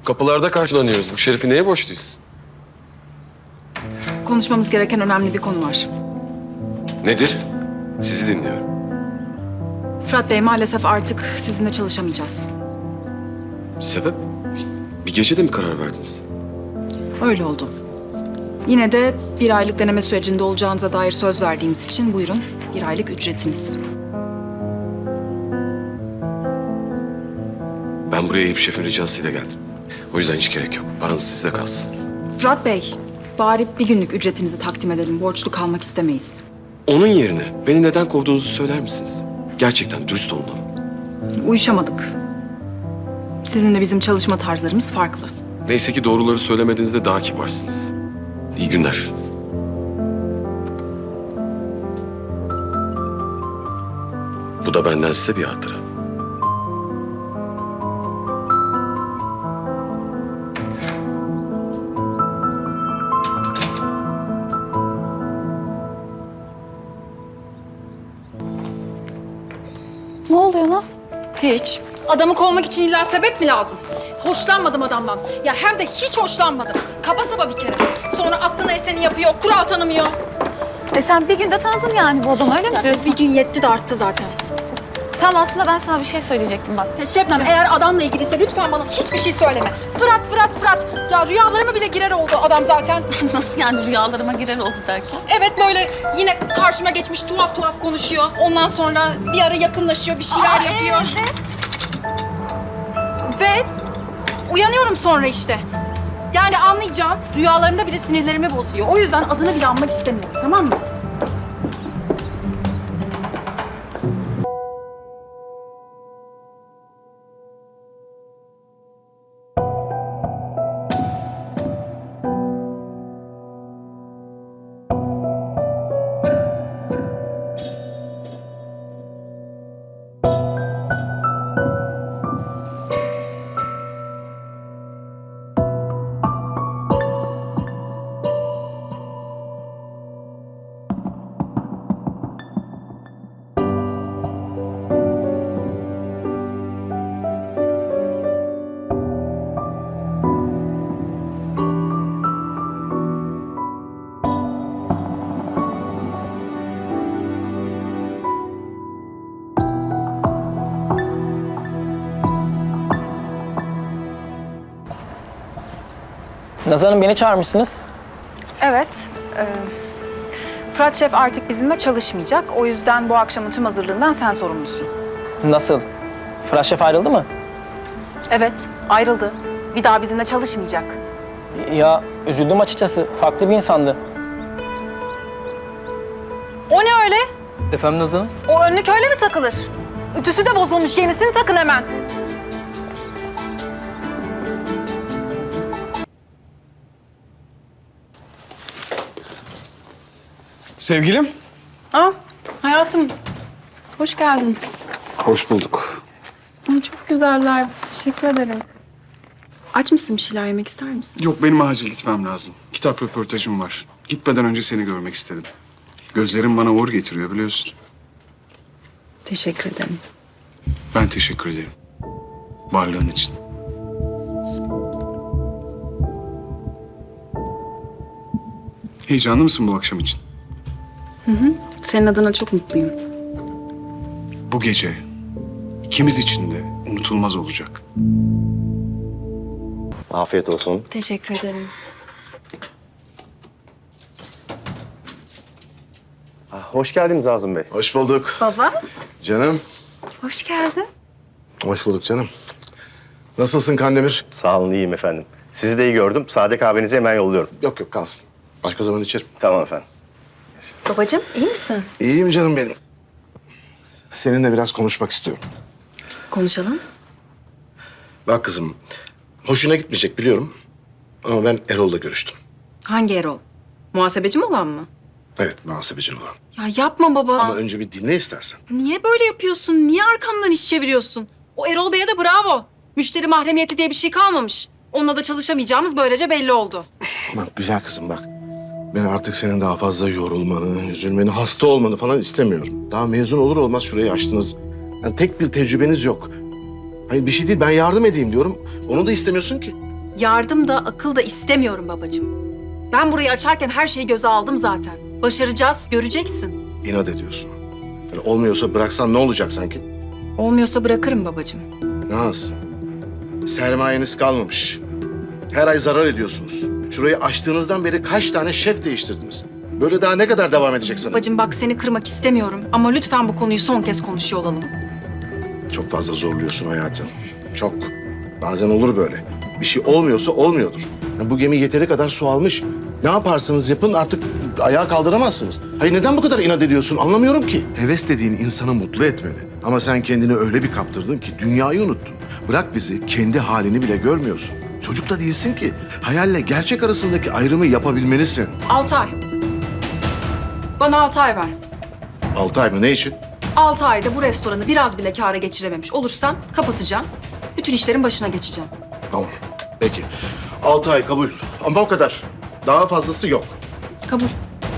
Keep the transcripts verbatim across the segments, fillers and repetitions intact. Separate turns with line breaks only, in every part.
Kapılarda karşılanıyoruz. Bu şerefi neye borçluyuz?
Konuşmamız gereken önemli bir konu var.
Nedir? Sizi dinliyorum.
Fırat Bey, maalesef artık sizinle çalışamayacağız.
Sebep? Bir gecede mi karar verdiniz?
Öyle oldu. Yine de bir aylık deneme sürecinde olacağınıza dair söz verdiğimiz için buyurun bir aylık ücretiniz.
Ben buraya Eyüp Şef'in ricasıyla geldim. O yüzden hiç gerek yok. Paranız sizde kalsın.
Fırat Bey, bari bir günlük ücretinizi takdim edelim. Borçlu kalmak istemeyiz.
Onun yerine beni neden kovduğunuzu söyler misiniz? Gerçekten dürüst olun ama.
Uyuşamadık. Sizinle bizim çalışma tarzlarımız farklı.
Neyse ki doğruları söylemediğinizde daha kibarsınız. İyi günler. Bu da benden size bir hatıra.
Ne oluyor Naz?
Hiç. Adamı kovmak için illa sebep mi lazım? Hoşlanmadım adamdan. Ya hem de hiç hoşlanmadım. Kaba saba bir kere. Sonra aklına eseni yapıyor, kural tanımıyor.
E sen bir günde tanıdın yani bu adamı, öyle mi diyorsun?
Bir gün yetti de arttı zaten.
Tamam, aslında ben sana bir şey söyleyecektim bak.
Ya Şebnem, eğer adamla ilgiliyse lütfen bana hiçbir şey söyleme. Fırat, Fırat, Fırat. Ya rüyalarıma bile girer oldu adam zaten.
Nasıl yani, rüyalarıma girer oldu derken?
Evet, böyle yine karşıma geçmiş tuhaf tuhaf konuşuyor. Ondan sonra bir ara yakınlaşıyor, bir şeyler yapıyor. Ve uyanıyorum sonra işte. Yani anlayacağın, rüyalarımda bile sinirlerimi bozuyor. O yüzden adını bile anmak istemiyorum, tamam mı?
Nazan Hanım, beni çağırmışsınız.
Evet. e, Fırat Şef artık bizimle çalışmayacak. O yüzden bu akşamın tüm hazırlığından sen sorumlusun.
Nasıl? Fırat Şef ayrıldı mı?
Evet, ayrıldı. Bir daha bizimle çalışmayacak.
Ya üzüldüm açıkçası. Farklı bir insandı.
O ne öyle?
Efendim Nazan Hanım?
O önlük öyle mi takılır? Ütüsü de bozulmuş, yenisini takın hemen.
Sevgilim.
Aa, hayatım. Hoş geldin.
Hoş bulduk.
Ay, çok güzeller. Teşekkür ederim. Aç mısın, bir şeyler yemek ister misin?
Yok, benim acil gitmem lazım. Kitap röportajım var. Gitmeden önce seni görmek istedim. Gözlerim bana uğur getiriyor, biliyorsun.
Teşekkür ederim.
Ben teşekkür ederim. Varlığın için. Heyecanlı mısın bu akşam için?
Senin adına çok mutluyum.
Bu gece ikimiz için de unutulmaz olacak.
Afiyet olsun.
Teşekkür ederim.
Ah, hoş geldiniz Azım Bey.
Hoş bulduk.
Baba,
Canım.
hoş geldin.
Hoş bulduk canım. Nasılsın Kandemir?
Sağ olun, iyiyim efendim. Sizi de iyi gördüm. Sade kahvenizi hemen yolluyorum.
Yok yok kalsın. Başka zaman içerim.
Tamam efendim.
Babacığım, iyi misin?
İyiyim canım benim. Seninle biraz konuşmak istiyorum.
Konuşalım.
Bak kızım, hoşuna gitmeyecek biliyorum. Ama ben Erol'la görüştüm.
Hangi Erol? Muhasebeci mi olan mı?
Evet, muhasebecin olan.
Ya yapma baba.
Ama önce bir dinle istersen.
Niye böyle yapıyorsun? Niye arkamdan iş çeviriyorsun? O Erol Bey'e de bravo. Müşteri mahremiyeti diye bir şey kalmamış. Onunla da çalışamayacağımız böylece belli oldu.
Bak güzel kızım bak. Ben artık senin daha fazla yorulmanı, üzülmeni, hasta olmanı falan istemiyorum. Daha mezun olur olmaz şurayı açtınız. Yani tek bir tecrübeniz yok. Hayır bir şey değil, ben yardım edeyim diyorum. Onu da istemiyorsun ki.
Yardım da akıl da istemiyorum babacığım. Ben burayı açarken her şeyi göze aldım zaten. Başaracağız, göreceksin.
İnat ediyorsun. Yani olmuyorsa bıraksan ne olacak sanki?
Olmuyorsa bırakırım babacığım.
Naz, sermayeniz kalmamış. Her ay zarar ediyorsunuz. Şurayı açtığınızdan beri kaç tane şef değiştirdiniz? Böyle daha ne kadar devam edecek sana?
Babacığım bak seni kırmak istemiyorum ama lütfen bu konuyu son kez konuşuyor olalım.
Çok fazla zorluyorsun hayatım. Çok. Bazen olur böyle. Bir şey olmuyorsa olmuyordur. Ya bu gemi yeteri kadar su almış. Ne yaparsanız yapın artık ayağa kaldıramazsınız. Hayır neden bu kadar inat ediyorsun anlamıyorum ki. Heves dediğin insanı mutlu etmeli. Ama sen kendini öyle bir kaptırdın ki dünyayı unuttun. Bırak bizi kendi halini bile görmüyorsun. Çocuk da değilsin ki. Hayalle gerçek arasındaki ayrımı yapabilmelisin.
Altı ay. Bana altı ay ver.
Altı ay mı ne için?
Altı ayda bu restoranı biraz bile kâra geçirememiş olursan kapatacağım. Bütün işlerin başına geçeceğim.
Tamam. Peki. Altı ay kabul. Ama o kadar. Daha fazlası yok.
Kabul.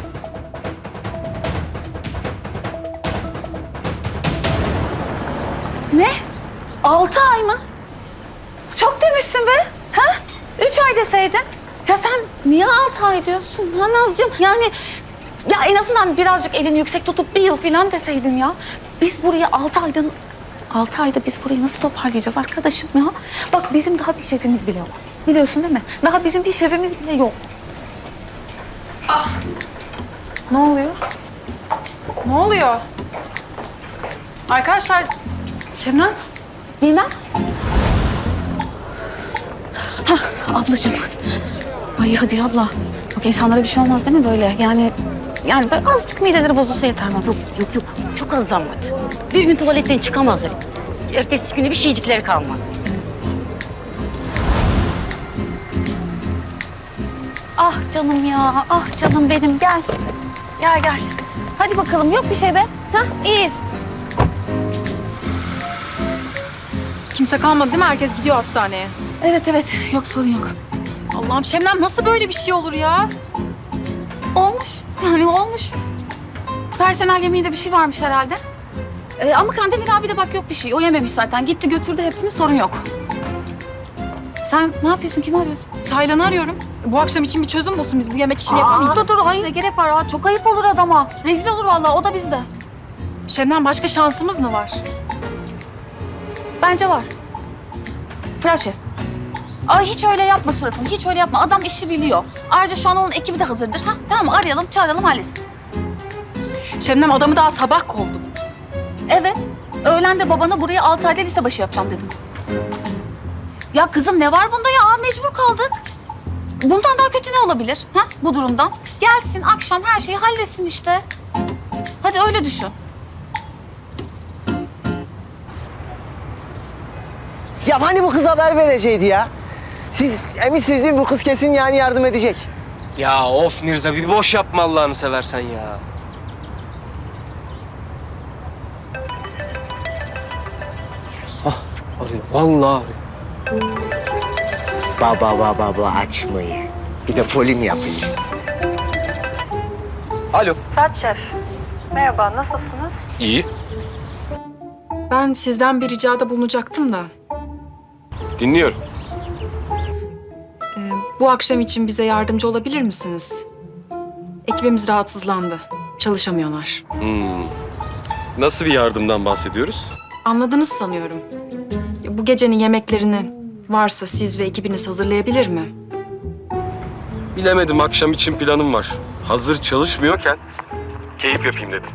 Ne? Altı ay mı? Çok demişsin be. Ha? Üç ay deseydin. Ya sen niye altı ay diyorsun ha Nazcığım? Yani ya en azından birazcık elini yüksek tutup bir yıl falan deseydin ya. Biz burayı altı ayda... Altı ayda biz burayı nasıl toparlayacağız arkadaşım ya? Bak bizim daha bir şefimiz bile yok. Biliyorsun değil mi? Daha bizim bir şefimiz bile yok.
Ah! Ne oluyor? Ne oluyor? Arkadaşlar,
Şebnem, bilmem. Hah, ablacığım. Ay hadi abla. Bak insanlara bir şey olmaz değil mi böyle? Yani yani böyle azıcık mideleri bozulsa yeter bana.
Yok yok yok. Çok az zahmet. Bir gün tuvaletten çıkamazlar. Ertesi günü bir şeycikleri kalmaz.
Ah canım ya, ah canım benim gel. Gel gel. Hadi bakalım yok bir şey be. Hah iyiyiz.
kimse kalmadı değil mi? Herkes gidiyor hastaneye.
Evet evet yok sorun yok.
Allah'ım Şebnem nasıl böyle bir şey olur ya?
Olmuş yani olmuş. Personel yemeğinde bir şey varmış herhalde. Ee, ama Kandemir abi de bak yok bir şey. O yememiş zaten. Gitti götürdü hepsini sorun yok. Sen ne yapıyorsun? Kimi arıyorsun?
Taylan'ı arıyorum. Bu akşam için bir çözüm bulsun. Biz bu yemek işini yapamayacağız.
Dur dur hayır ne gerek var? Aa, çok ayıp olur adama. Rezil olur vallahi o da bizde.
Şebnem başka şansımız mı var?
Bence var. Fırat Şef. Ay hiç öyle yapma suratını. Hiç öyle yapma. Adam işi biliyor. Ayrıca şu an onun ekibi de hazırdır. Ha tamam mı? Arayalım, çağıralım, halletsin.
Şebnem adamı daha sabah kovdum.
Evet. Öğlen de babana buraya altı ayda liste başı yapacağım dedim. Ya kızım ne var bunda ya? Aa, mecbur kaldık. Bundan daha kötü ne olabilir? Ha bu durumdan? Gelsin akşam her şeyi halletsin işte. Hadi öyle düşün.
Ya hani bu kız haber verecekti ya? Siz eminsiniz değil mi? Bu kız kesin yani yardım edecek.
Ya of Mirza bir boş yapma Allah'ını seversen ya.
Ah, arıyor. Vallahi arıyor. Baba baba baba açmayı. Bir de polim yapayım.
Alo.
Fırat Şef, merhaba, nasılsınız?
İyi.
Ben sizden bir ricada bulunacaktım da.
Dinliyorum.
Ee, bu akşam için bize yardımcı olabilir misiniz? Ekibimiz rahatsızlandı. Çalışamıyorlar.
Hmm. Nasıl bir yardımdan bahsediyoruz?
Anladınız sanıyorum. Ya, bu gecenin yemeklerini varsa siz ve ekibiniz hazırlayabilir mi?
Bilemedim, akşam için planım var. Hazır çalışmıyorken keyif yapayım dedim.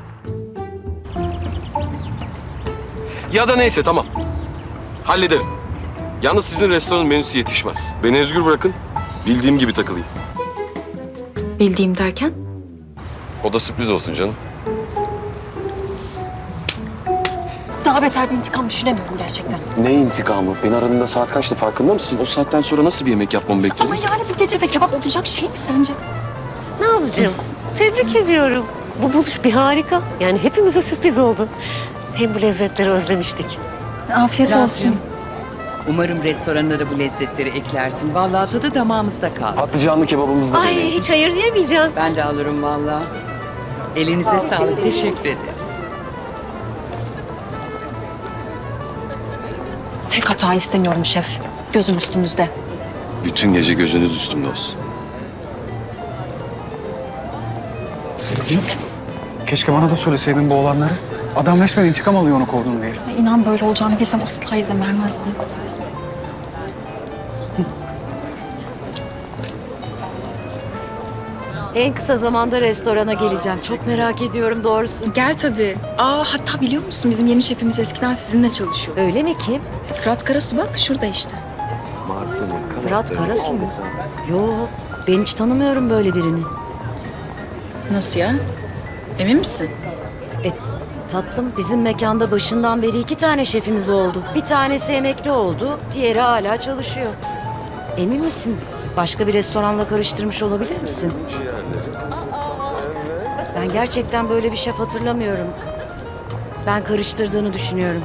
Ya da neyse, tamam. Hallederim. Yalnız sizin restoranın menüsü yetişmez. Beni özgür bırakın, bildiğim gibi takılayım.
Bildiğim derken?
O da sürpriz olsun canım.
Daha beter bir intikam düşünemiyorum gerçekten.
Ne intikamı? Beni aradığında saat kaçtı, farkında mısın? O saatten sonra nasıl bir yemek yapmamı bekledin?
Ama yani bir gece ve kebap olacak şey mi sence?
Nazcığım, tebrik ediyorum. Bu buluş bir harika. Yani hepimize sürpriz oldu. Hem bu lezzetleri özlemiştik.
Afiyet olsun.
Umarım restoranına da bu lezzetleri eklersin. Vallahi tadı damağımızda kaldı.
Patlıcanlı kebabımız da
Ay
deneyin.
hiç hayır diyemeyeceğim.
Ben de alırım vallahi. Elinize sağlık. Teşekkür ederiz.
Tek hata istemiyorum şef. Gözüm üstünüzde.
Bütün gece gözünüz üstümde olsun.
Sevgilim, keşke bana da söyleseydin bu olanları. Adam resmen intikam alıyor onu kovdun diye.
Ya inan böyle olacağını bilsem asla izin vermezdim.
En kısa zamanda restorana geleceğim. Çok merak ediyorum doğrusu.
Gel tabii. Aa hatta biliyor musun bizim yeni şefimiz eskiden sizinle çalışıyor.
Öyle mi kim?
Fırat Karasu bak şurada işte.
Fırat Karasu mu? Yo, ben hiç tanımıyorum böyle birini.
Nasıl ya? Emin misin?
E, tatlım bizim mekanda başından beri iki tane şefimiz oldu. Bir tanesi emekli oldu, diğeri hala çalışıyor. Emin misin? Başka bir restoranla karıştırmış olabilir misin? Ben gerçekten böyle bir şef hatırlamıyorum. Ben karıştırdığını düşünüyorum.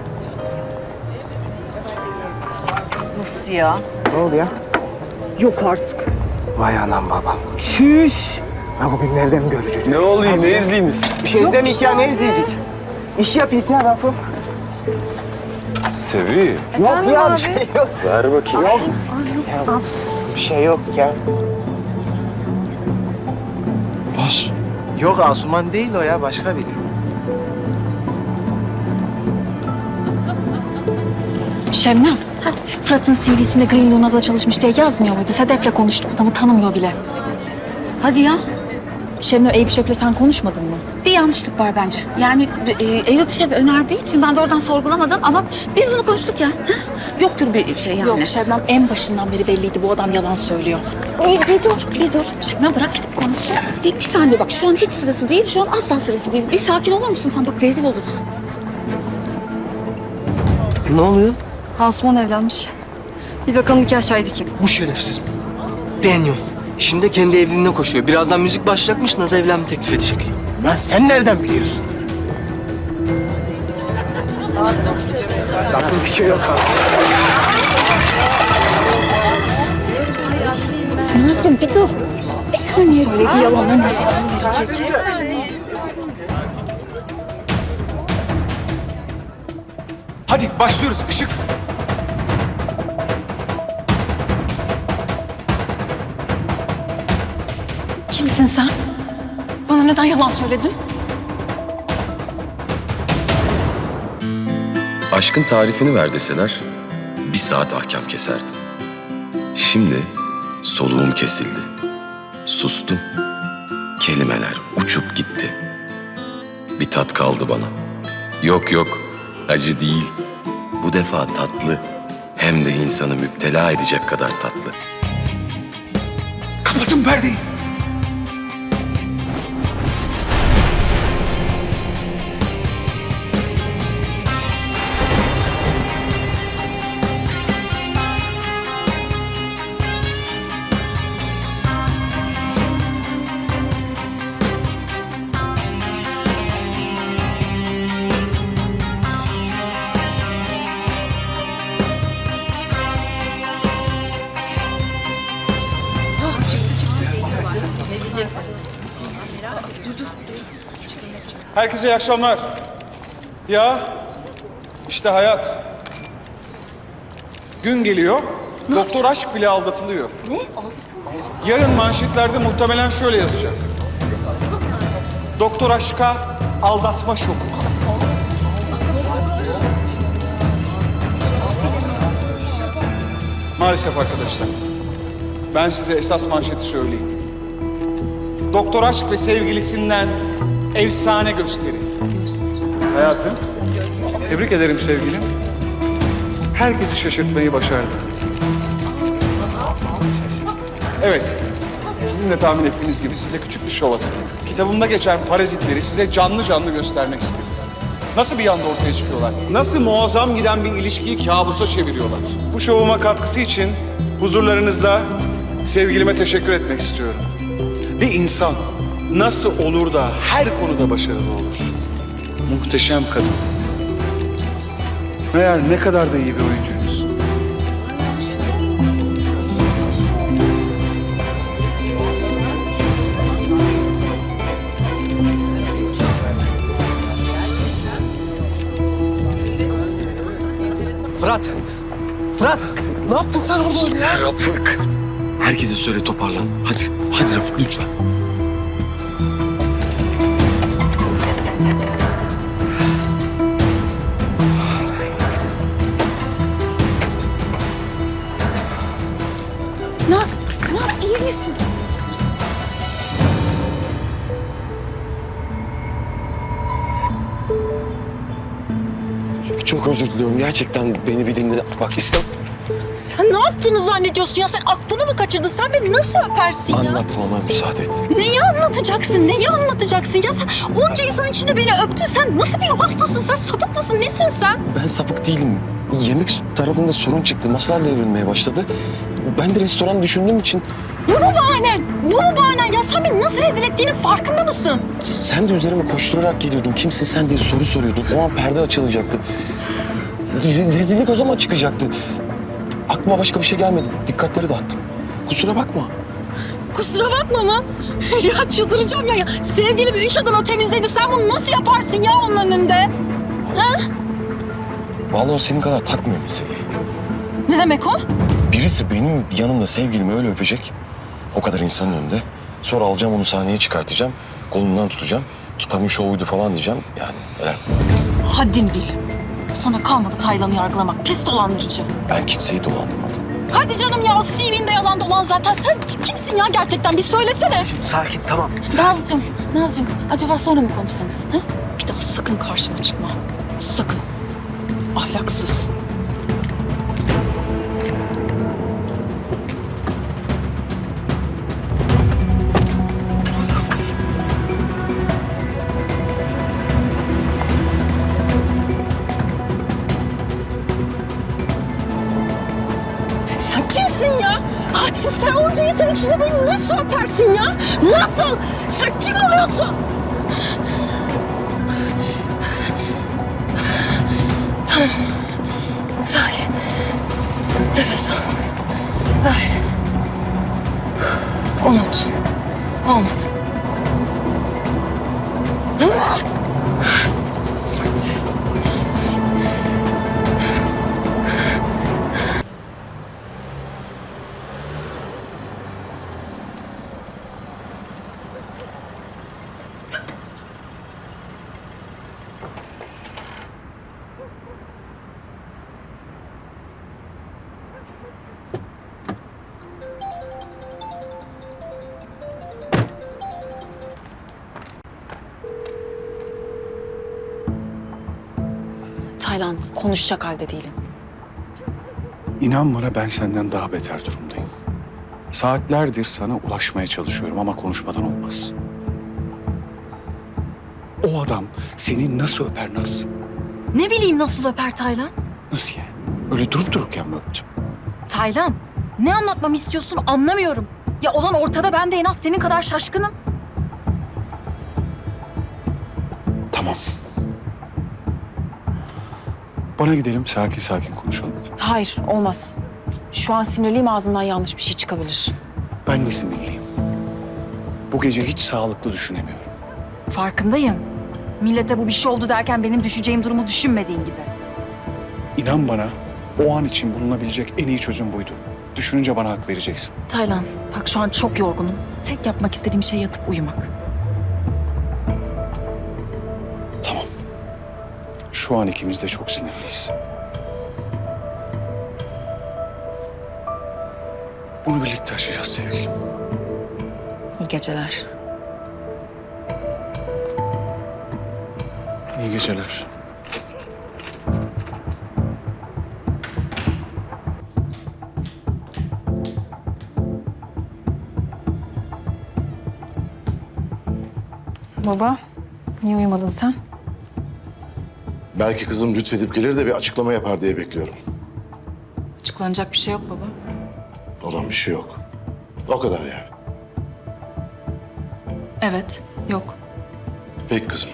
Nasıl ya?
Ne oldu ya?
Yok artık.
Vay anam babam. Şüş. Ha bugün nereden göreceğiz?
Ne oluyor? Ne izleyiniz?
Bir şey izlemeyik ya, ne izleyecek? İş yapayım ya Rafım.
Sevi.
Yok ya, bir şey yok.
Ver bakayım.
Yok. Ya, bir şey yok ya.
Bas.
Yok, Asuman değil o ya, başka biri.
Şebnem. Fırat'ın C V'sinde Green Luna'da çalışmış diye yazmıyor muydu? Sedef'le konuştu. Adamı tanımıyor bile.
Hadi ya.
Şebnem Eyüp Şef'le sen konuşmadın mı?
Bir yanlışlık var bence. Yani e, Eyüp Şef önerdiği için ben de oradan sorgulamadım ama biz bunu konuştuk ya. Heh, yoktur bir şey yani.
Yok Şebnem en başından beri belliydi bu adam yalan söylüyor.
Ey, bir dur, bir dur. Şebnem bırak gidip konuşacağım. Bir, bir saniye bak, şu an hiç sırası değil, şu an asla sırası değil. Bir sakin olur musun sen? Bak rezil oluruz.
Ne oluyor?
Asuman evlenmiş. Bir bakalım nikah şahidi kim?
Bu şerefsiz. Deniyor. Şimdi kendi evliliğine koşuyor. Birazdan müzik başlayacakmış, Naz evlenme teklif edecek.
Lan sen nereden biliyorsun? Rafım bir şey yok abi.
Nazım bir dur. Bir saniye. Söylediği yalanların hesabını verecek.
Hadi başlıyoruz. Işık.
Kimsin sen? Bana neden yalan söyledin?
Aşkın tarifini ver deseler bir saat ahkam keserdim. Şimdi soluğum kesildi. Sustum. Kelimeler uçup gitti. Bir tat kaldı bana. Yok yok, acı değil. Bu defa tatlı. Hem de insanı müptela edecek kadar tatlı.
Kapatın perdeyi.
Herkese iyi akşamlar. Ya işte hayat. Gün geliyor, doktor aşk bile aldatılıyor.
Ne? Aldatılma.
Yarın manşetlerde muhtemelen şöyle yazacak. Doktor aşka aldatma şoku. Maalesef arkadaşlar. Ben size esas manşeti söyleyeyim. Doktor aşk ve sevgilisinden efsane gösteri. Hayatım, tebrik ederim sevgilim. Herkesi şaşırtmayı başardı. Evet, sizin de tahmin ettiğiniz gibi size küçük bir şov hazırladım. Kitabımda geçen parazitleri size canlı canlı göstermek istedim. Nasıl bir anda ortaya çıkıyorlar? Nasıl muazzam giden bir ilişkiyi kabusa çeviriyorlar? Bu şovuma katkısı için huzurlarınızda sevgilime teşekkür etmek istiyorum. Bir insan nasıl olur da her konuda başarılı olur? Muhteşem kadın. Meğer ne kadar da iyi bir oyuncuymuş.
Fırat! Fırat! Ne yaptın sen burada ya?
Rafık. Herkese söyle toparlan. Hadi, hadi Rafık lütfen.
Naz, Naz iyi misin?
Çok özür diliyorum. Gerçekten beni bir dinle. Bak İslam.
Sen ne yaptığını zannediyorsun ya? Sen aklını mı kaçırdın? Sen beni nasıl öpersin ya?
Anlatmama müsaade et.
Neyi anlatacaksın? Neyi anlatacaksın ya? Sen onca insan içinde beni öptün. Sen nasıl bir ruh hastasın? Sen sapık mısın? Nesin sen?
Ben sapık değilim. Yemek tarafında sorun çıktı. Masalar devrilmeye başladı. Ben de restoran düşündüğüm için...
Bu mu bahanen? Bu mu bahanen? Ya sen beni nasıl rezil ettiğinin farkında mısın?
Sen de üzerime koşturarak geliyordun. Kimsin sen diye soru soruyordun. O an perde açılacaktı. Re- Rezillik o zaman çıkacaktı. Aklıma başka bir şey gelmedi. Dikkatleri dağıttım. Kusura bakma.
Kusura bakma mı? Ya çıldıracağım ya. ya. Sevgilimi üç adım ötemizdeydi. Sen bunu nasıl yaparsın ya onun önünde? Ha?
Vallahi o senin kadar takmıyor meseleyi.
Ne demek o?
Birisi benim yanımda sevgilimi öyle öpecek. O kadar insanın önünde. Sonra alacağım onu sahneye çıkartacağım. Kolundan tutacağım. Kitabın şovuydu falan diyeceğim. Yani neler.
Haddini bil. Sana kalmadı Taylan'ı yargılamak. Pis dolandırıcı.
Ben kimseyi dolandırmadım.
Hadi canım ya, o C V'nde yalan dolan zaten. Sen kimsin ya gerçekten? Bir söylesene.
Sakin tamam.
Nazcığım, Nazcığım acaba sonra mı konuşsanız? Ha?
Bir daha sakın karşıma çıkma. Sakın. Ahlaksız. Sen kimsin ya? Hadi sen onca insan içinde beni nasıl öpersin ya? Nasıl? Sen kim oluyorsun? Tamam. Sakin. Nefes al. Ver. Unut. Olmadı.
Taylan, konuşacak halde değilim.
İnan bana, ben senden daha beter durumdayım. Saatlerdir sana ulaşmaya çalışıyorum ama konuşmadan olmaz. O adam seni nasıl öper Naz?
Ne bileyim nasıl öper Taylan?
Nasıl yani? Öyle durup dururken mi öptü?
Taylan, ne anlatmamı istiyorsun anlamıyorum. Ya olan ortada, ben de en az senin kadar şaşkınım.
Tamam. Bana gidelim, sakin sakin konuşalım.
Hayır, olmaz. Şu an sinirliyim, ağzımdan yanlış bir şey çıkabilir.
Ben de sinirliyim. Bu gece hiç sağlıklı düşünemiyorum.
Farkındayım. Millete bu bir şey oldu derken benim düşeceğim durumu düşünmediğin gibi.
İnan bana, o an için bulunabilecek en iyi çözüm buydu. Düşününce bana hak vereceksin.
Taylan, bak şu an çok yorgunum. Tek yapmak istediğim şey yatıp uyumak.
Tamam. Şu an ikimiz de çok sinirliyiz. Bunu birlikte aşacağız sevgilim.
İyi geceler.
İyi geceler.
Baba, niye uyumadın sen?
Belki kızım lütfedip gelir de bir açıklama yapar diye bekliyorum.
Açıklanacak bir şey yok baba.
Olan bir şey yok. O kadar yani.
Evet, yok.
Peki kızım.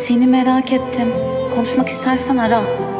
Seni merak ettim. Konuşmak istersen ara.